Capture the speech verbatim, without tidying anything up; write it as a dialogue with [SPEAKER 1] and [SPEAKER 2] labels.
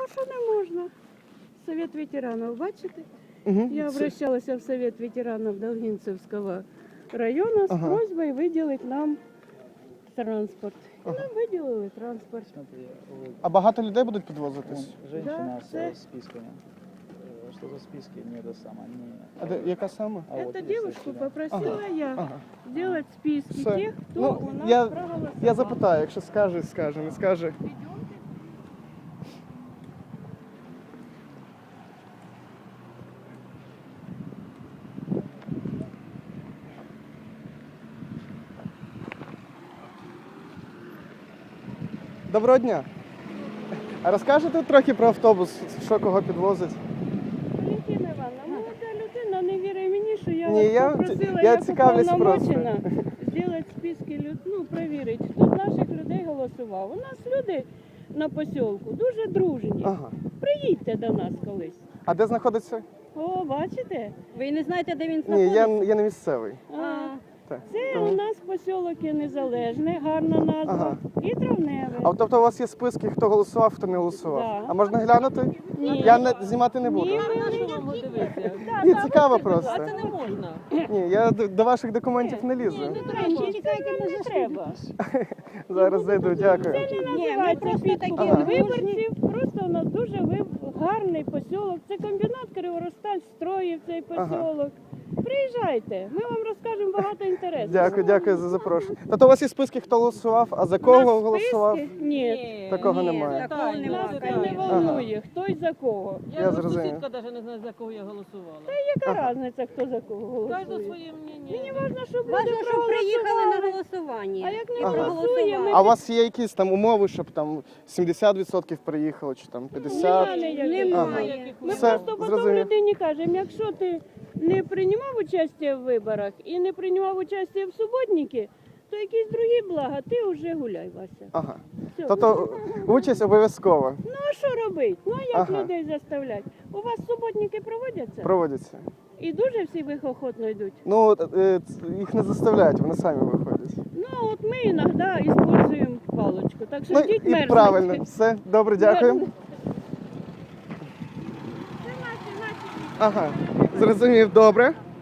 [SPEAKER 1] А що не можна? Совет ветеранов, бачите?
[SPEAKER 2] Угу.
[SPEAKER 1] Я обращалась в Совет ветеранов Долгинцевского района с
[SPEAKER 2] Ага.
[SPEAKER 1] просьбой выделить нам транспорт. И
[SPEAKER 2] Ага.
[SPEAKER 1] нам выделили транспорт.
[SPEAKER 3] Смотри, вот
[SPEAKER 2] А багато людей будуть підвозитись?
[SPEAKER 3] вон женщина
[SPEAKER 1] Да,
[SPEAKER 3] с
[SPEAKER 1] це-
[SPEAKER 3] э, списками. Э, Что за списки? Не это самое. Не...
[SPEAKER 2] А де, яка саме?
[SPEAKER 3] А вот
[SPEAKER 1] Эту
[SPEAKER 3] есть
[SPEAKER 1] девушку
[SPEAKER 3] такие, да.
[SPEAKER 1] попросила я
[SPEAKER 2] Ага.
[SPEAKER 1] сделать списки
[SPEAKER 2] Все.
[SPEAKER 1] тех, кто
[SPEAKER 2] Ну,
[SPEAKER 1] у нас
[SPEAKER 2] я,
[SPEAKER 1] проголосовал.
[SPEAKER 2] я запитаю, якщо скаже, скаже, не скаже. Доброго дня. А розкажете трохи про автобус, що кого підвозить?
[SPEAKER 1] Валентина Івановна, молода людина не вірить мені, що я
[SPEAKER 2] Ні,
[SPEAKER 1] вас
[SPEAKER 2] я-
[SPEAKER 1] попросила,
[SPEAKER 2] я
[SPEAKER 1] як
[SPEAKER 2] цікавлюсь
[SPEAKER 1] уповноважена, зробити списки, люд- ну, перевірити, хто з наших людей голосував. У нас люди на посілку дуже дружні.
[SPEAKER 2] Ага.
[SPEAKER 1] Приїдьте до нас колись.
[SPEAKER 2] А де знаходиться?
[SPEAKER 1] О, бачите?
[SPEAKER 4] Ви не знаєте, де він
[SPEAKER 2] Ні,
[SPEAKER 4] знаходиться?
[SPEAKER 2] я, я не місцевий.
[SPEAKER 1] А,
[SPEAKER 2] Так.
[SPEAKER 1] це
[SPEAKER 2] Тому-
[SPEAKER 1] у нас посілок є Незалежний, гарна назва,
[SPEAKER 2] Ага.
[SPEAKER 1] і Травневе.
[SPEAKER 2] А от, тобто у вас є списки, хто голосував, хто не голосував?
[SPEAKER 1] Да.
[SPEAKER 2] А можна глянути?
[SPEAKER 1] Ні.
[SPEAKER 2] Я не, знімати не буду.
[SPEAKER 1] Ні,
[SPEAKER 2] Ні,
[SPEAKER 1] да,
[SPEAKER 2] цікаво
[SPEAKER 1] будьте, будь
[SPEAKER 2] просто.
[SPEAKER 1] ласка.
[SPEAKER 4] не можна.
[SPEAKER 2] Ні, я до, до ваших документів не лізу.
[SPEAKER 1] Тричі, це нам не треба.
[SPEAKER 2] Зараз зайду, дякую.
[SPEAKER 1] Це не
[SPEAKER 4] Ні, ми
[SPEAKER 1] називається
[SPEAKER 4] просто
[SPEAKER 1] підкуп
[SPEAKER 4] такі
[SPEAKER 2] Ага.
[SPEAKER 1] виборців, просто у нас дуже виб- гарний посілок. Це комбінат Криворосталь строїв цей
[SPEAKER 2] Ага.
[SPEAKER 1] посілок. Приїжджайте, ми вам розкажемо багато інтересів.
[SPEAKER 2] Дякую, дякую за запрошення. Тобто у вас є списки, хто голосував, а за кого
[SPEAKER 1] У нас
[SPEAKER 2] голосував?
[SPEAKER 1] списки? Ні.
[SPEAKER 2] Такого
[SPEAKER 4] Ні,
[SPEAKER 2] немає.
[SPEAKER 4] Такого
[SPEAKER 1] Нас
[SPEAKER 4] немає.
[SPEAKER 1] це не волнує, хто й за кого.
[SPEAKER 2] Я
[SPEAKER 5] Я,
[SPEAKER 2] зрозумів.
[SPEAKER 5] сусідка навіть не знає, за кого я голосувала.
[SPEAKER 1] Яка
[SPEAKER 2] Ага.
[SPEAKER 1] різниця, хто за кого
[SPEAKER 5] Кожен
[SPEAKER 1] голосує?
[SPEAKER 5] своє мнення.
[SPEAKER 1] Мені важливо, щоб
[SPEAKER 4] Важно,
[SPEAKER 1] люди
[SPEAKER 4] щоб приїхали на
[SPEAKER 1] проголосували.
[SPEAKER 4] голосування.
[SPEAKER 1] А як не
[SPEAKER 2] Ага.
[SPEAKER 1] голосує, ми
[SPEAKER 2] А у вас є якісь там умови, щоб там сімдесят відсотків приїхало, чи там п'ятдесят?
[SPEAKER 1] Немає ніяких.
[SPEAKER 4] Немає.
[SPEAKER 1] Ми
[SPEAKER 2] Все,
[SPEAKER 1] просто потім
[SPEAKER 2] зрозумів.
[SPEAKER 1] людині кажемо, якщо ти не приймав участь в виборах і не приймав участь в суботники, то якісь другі блага, ти вже гуляй, Вася.
[SPEAKER 2] Ага.
[SPEAKER 1] Все.
[SPEAKER 2] Тобто участь обов'язково
[SPEAKER 1] Ну а що робити? Ну а як
[SPEAKER 2] Ага.
[SPEAKER 1] людей заставляти? У вас суботники проводяться?
[SPEAKER 2] проводиться.
[SPEAKER 1] І дуже всі ви охотно йдуть.
[SPEAKER 2] Ну, е, ц- їх не заставляють, вони самі виходять.
[SPEAKER 1] Ну от ми іноді використовуємо паличку, так що
[SPEAKER 2] Ну
[SPEAKER 1] йдіть
[SPEAKER 2] і
[SPEAKER 1] мерзнуть.
[SPEAKER 2] правильно, все, добре, дякую.
[SPEAKER 1] Мерзнуть. Це наші, наші.
[SPEAKER 2] Ага, зрозумів, добре.